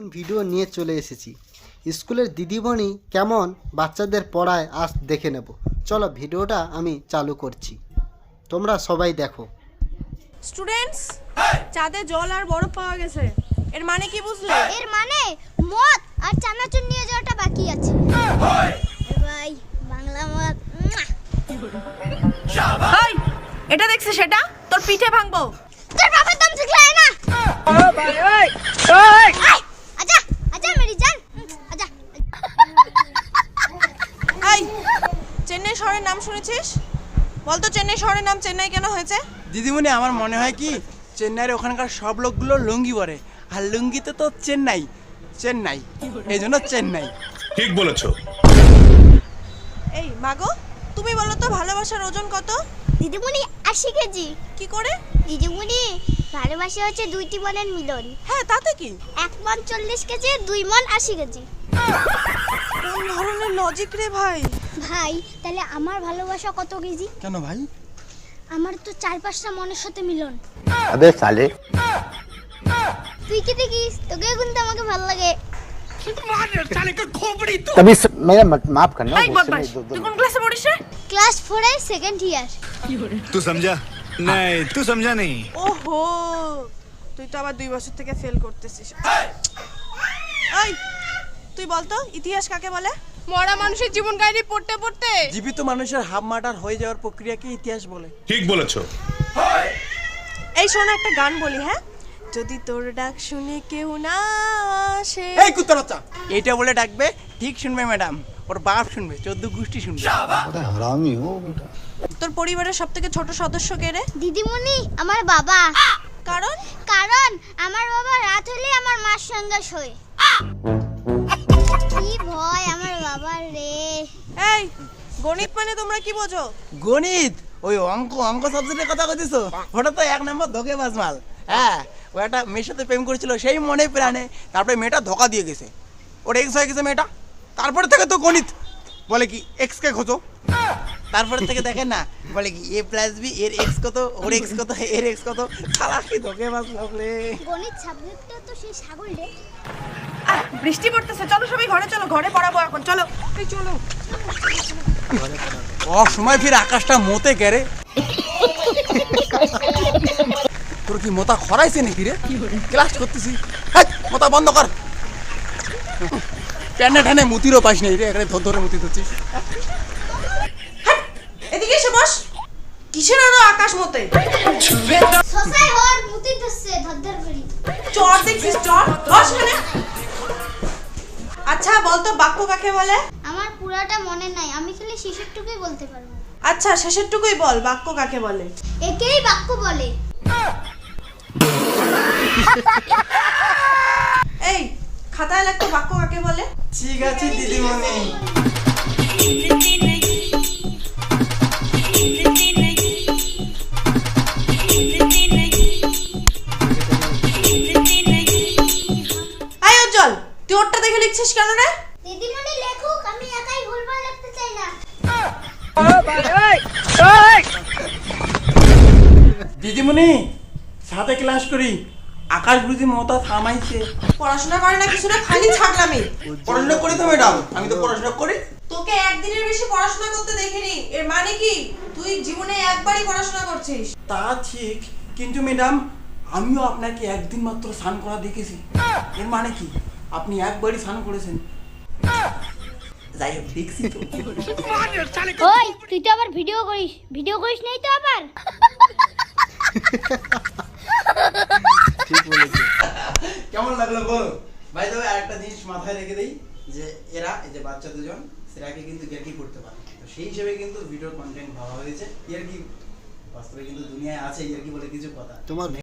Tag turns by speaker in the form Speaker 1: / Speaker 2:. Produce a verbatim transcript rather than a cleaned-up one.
Speaker 1: Video নিয়ে চলে এসেছি। স্কুলের দিদিমণি কেমন বাচ্চাদের পড়ায় আজ দেখে নেব। চলো ভিডিওটা আমি চালু করছি, তোমরা সবাই দেখো।
Speaker 2: স্টুডেন্টস, চাঁদে জল আর বরফ পাওয়া গেছে। এর মানে কি বুঝলে?
Speaker 3: এর মানে মদ আর চানাচুর নিয়ে যাওয়াটা বাকি আছে। ভাই বাংলা মদ।
Speaker 2: এই, এটা দেখছিস সেটা? তোর পিঠে ভাঙবো।
Speaker 3: তোর বাবার দম শিখলাই না।
Speaker 2: ও ভাই ওই ওই
Speaker 3: আচ্ছা আচ্ছা মেরি জান আচ্ছা।
Speaker 2: এই, চেন্নাই শহরের নাম শুনেছিস? বলতো চেন্নাই শহরের নাম চেন্নাই কেন হয়েছে?
Speaker 4: দিদিমণি, আমার মনে হয় কি চেন্নাইয়ের ওখানকার সব লোকগুলো লুঙ্গি পরে, আর লুঙ্গিতে তো চেন্নাই চেন্নাই এই জন্য চেন্নাই।
Speaker 5: ঠিক বলেছো।
Speaker 2: এই মাগো, তুমি বলো তো ভালোবাসার ওজন কত?
Speaker 3: দিদিমণি আশি কেজি।
Speaker 2: কি করে?
Speaker 3: দিদিমণি ভালোবাসা হচ্ছে দুইটি মনের মিলন।
Speaker 2: হ্যাঁ, তাতে কি?
Speaker 3: এক মন চল্লিশ কেজি, দুই মন আশি কেজি।
Speaker 2: কোন ধরনের লজিক রে ভাই?
Speaker 3: ভাই তাহলে আমার ভালোবাসা কত কেজি?
Speaker 4: কেন ভাই?
Speaker 3: আমার তো চার পাঁচটা মনের সাথে মিলন।
Speaker 6: अबे साले
Speaker 3: তুই কি দেখিস? তোকে কিন্তু আমাকে ভালো লাগে।
Speaker 6: तभी स... मेरा मत माफ करना
Speaker 2: এই বদমাশ, তুই কোন ক্লাসে পড়িস রে?
Speaker 3: ক্লাস ফোর এর সেকেন্ড ইয়ার।
Speaker 5: तू समझा नहीं, तू समझा नहीं।
Speaker 2: ওহো, তুই তো আবার দুই বছর থেকে ফেল করতেছিস। এই, তুই বলতো ইতিহাস কাকে বলে? মরা মানুষের জীবন কাহিনী পড়তে পড়তে
Speaker 4: জীবিত মানুষের হাফ মার্টার হয়ে যাওয়ার প্রক্রিয়াকে ইতিহাস বলে।
Speaker 5: ঠিক বলেছো।
Speaker 2: এই শোনো, একটা গান বলি। হ্যাঁ, যদি তোর ডাক শুনে কেউ না আসে।
Speaker 4: এই কুত্তার বাচ্চা, এইটা বলে ডাকবে, ঠিক শুনবে ম্যাডাম, ওর বাপ শুনবে, চোদ্দ গোষ্ঠী শুনবে।
Speaker 6: हरामी हो बेटा।
Speaker 2: তোর পরিবারের সবথেকে ছোট সদস্য কে রে?
Speaker 3: দিদিমণি আমার বাবা।
Speaker 2: কারণ
Speaker 3: কারণ আমার বাবা রাত হলে আমার মার সঙ্গে শোয়। কি ভয় আমার বাবার রে।
Speaker 2: এই, গণিত মানে তোমরা কি বোঝো?
Speaker 4: গণিত ওই অঙ্ক অঙ্ক সাবজেক্টের কথা কইতেছ? ওটা তো এক নম্বর ধোকে বাজমাল। হ্যাঁ, ও একটা মেয়ের সাথে প্রেম করেছিল, সেই মনে প্রাণে, তারপরে মেয়েটা ধোকা দিয়ে গেছে, ওর এক্স হয়ে গেছে মেয়েটা। তারপরে থেকে তো গণিত বলে কি এক্স কে খোঁজো। তারপরে থেকে দেখেন না, বলে কি এ প্লাস বি এর এক্স কত, ওর এক্স কত, এর এক্স কত। শালা কি ধোকে বাজমাল রে।
Speaker 3: গণিত সাবজেক্টটা তো সেই ছাগল রে।
Speaker 2: আহ, বৃষ্টি পড়তেছে, চলো সবাই ঘরে চলো, ঘরে পড়াবো এখন, চলো। এই চলো।
Speaker 4: ও সময় ফির আকাশটা মতে কেরে। তোর কি মোতা খরাইছে নাকি রে? ক্লাস করতেছি, হেৎ, মোতা বন্ধ কর। প্যানে ঠানে মুতিরও পাস নেই রে, এখানে ধর ধরে মুতি ধরছিস।
Speaker 2: এদিকে এসে বস। কিসের আরো আকাশ মতে?
Speaker 3: সসাই হর মুতি ধরছে ধরধর করি।
Speaker 2: চর দেখছিস, চর বস এখানে। আচ্ছা বলতো বাক্য কাকে বলে?
Speaker 3: আমার পুরাটা মনে নাই, আমি খালি শেষেরটুকুই বলতে পারবো।
Speaker 2: আচ্ছা শেষেরটুকুই বল, বাক্য কাকে বলে?
Speaker 3: একেই বাক্য বলে।
Speaker 2: এই, খাতায় লেখো বাক্য কাকে বলে?
Speaker 4: ঠিক আছে দিদিমণি।
Speaker 2: আয় উজ্জ্বল, তুই ওরটা দেখে লিখছিস কেন রে?
Speaker 3: দিদিমণি লেখুক, আমি একাই ভুলভাল লিখতে চাই না।
Speaker 4: দিদিমণি সাথে ক্লাস করি, আকাশ বুঝি মতা থামাইছে।
Speaker 2: পড়াশোনা করে না কিছু না, খালি ছাগলামি।
Speaker 4: পড়াশোনা করি তো ম্যাডাম, আমি তো পড়াশোনা করি।
Speaker 2: তোকে একদিনের বেশি পড়াশোনা করতে দেখিনি। এর মানে কি তুই জীবনে একবারই পড়াশোনা করছিস?
Speaker 4: তা ঠিক, কিন্তু ম্যাডাম আমিও আপনাকে একদিন মাত্র স্নান করা দেখেছি। এর মানে কি আপনি একবারই স্নান করেছেন? যাই হোক, দেখছি তো।
Speaker 3: ওই তুই তো আবার ভিডিও করিস, ভিডিও করিস নাই তো আবার?
Speaker 1: ঠিক বলেছো।
Speaker 4: কেমন লাগলো বলো ভাই? তবে আরেকটা জিনিস মাথায় রেখে দেই, যে এরা এই যে বাচ্চা দুজন সেরাকে কিন্তু ইয়ার্কি করতে পারে, তো সেই হিসেবে কিন্তু ভিডিও কন্টেন্ট ভাবা হয়েছে। ইয়ার্কি বাস্তবে কিন্তু দুনিয়ায় আছে ইয়ার্কি বলে কিছু কথা।
Speaker 1: তোমার